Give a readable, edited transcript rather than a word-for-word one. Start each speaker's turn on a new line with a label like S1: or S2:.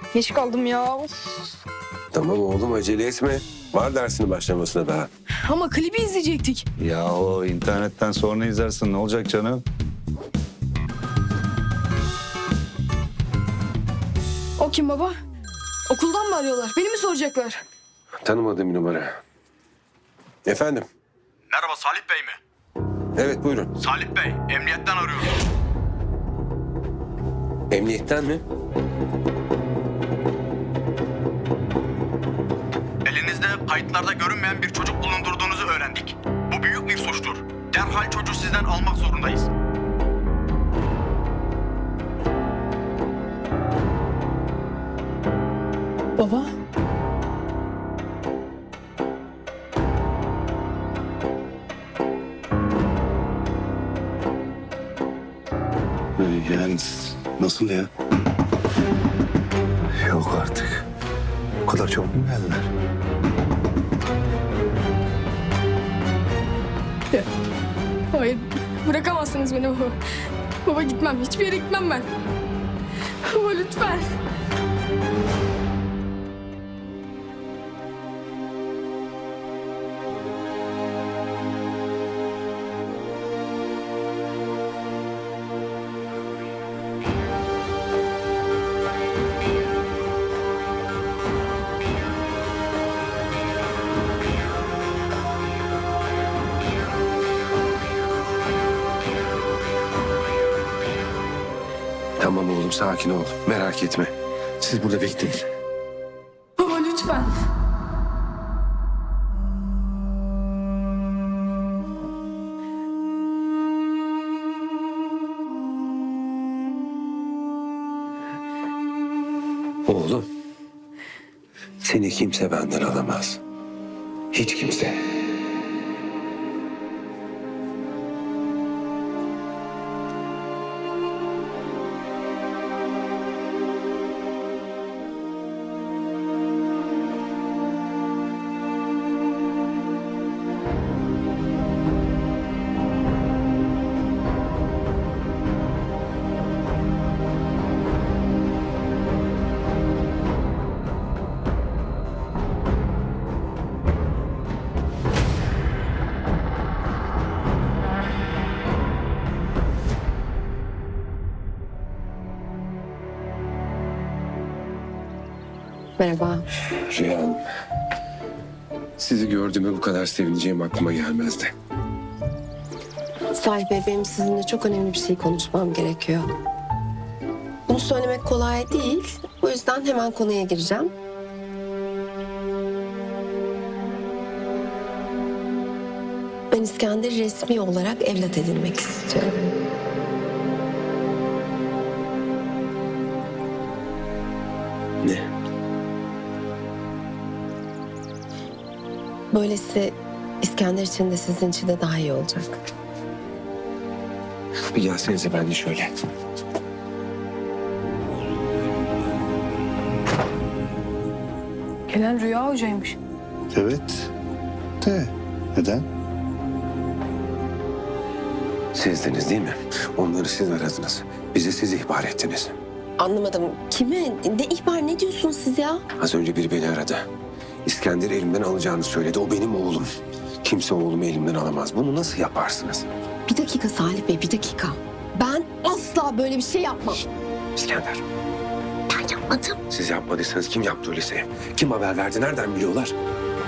S1: Geç kaldım ya. Of.
S2: Tamam oğlum acele etme. Var dersinin başlamasına daha.
S1: Ama klibi izleyecektik.
S3: Ya o internetten sonra izlersin, ne olacak canım?
S1: O kim baba? Okuldan mı arıyorlar? Beni mi soracaklar?
S2: Tanımadığım bir numara. Efendim?
S4: Merhaba Salih Bey mi?
S2: Evet buyurun.
S4: Salih Bey, emniyetten arıyorum.
S2: Emniyetten mi?
S4: Elinizde kayıtlarda görünmeyen bir çocuk bulundurduğunuzu öğrendik. Bu büyük bir suçtur. Derhal çocuğu sizden almak zorundayız.
S1: Baba?
S3: Yani nasıl ya? Yok artık. O kadar çabuk mu geldiler?
S1: Hayır. Bırakamazsınız beni baba. Baba gitmem. Hiçbir yere gitmem ben. Baba lütfen.
S2: Tamam oğlum sakin ol. Merak etme. Siz burada bekleyin.
S1: Baba lütfen.
S2: Oğlum. Seni kimse benden alamaz. Hiç kimse.
S5: Merhaba.
S2: Rüya Hanım. Sizi gördüğüme bu kadar sevineceğim aklıma gelmezdi.
S5: Salih Bey, benim sizinle çok önemli bir şey konuşmam gerekiyor. Bunu söylemek kolay değil. O yüzden hemen konuya gireceğim. Ben İskender'i resmi olarak evlat edinmek istiyorum.
S2: Ne?
S5: Böylesi İskender için de sizin için de daha iyi olacak.
S2: Bir gelsenize ben de şöyle.
S1: Gelen Rüya Hoca'ymış.
S3: Evet. De neden?
S2: Sizdiniz değil mi? Onları siz aradınız. Bize siz ihbar ettiniz.
S5: Anlamadım. Kime? Ne ihbar, ne diyorsunuz siz ya?
S2: Az önce biri beni aradı. İskender'i elimden alacağını söyledi. O benim oğlum. Kimse oğlumu elimden alamaz. Bunu nasıl yaparsınız?
S5: Bir dakika Salih Bey, bir dakika. Ben asla böyle bir şey yapmam.
S2: İskender,
S5: Ben yapmadım.
S2: siz yapmadıysanız kim yaptı öyleyse? Kim haber verdi? Nereden biliyorlar?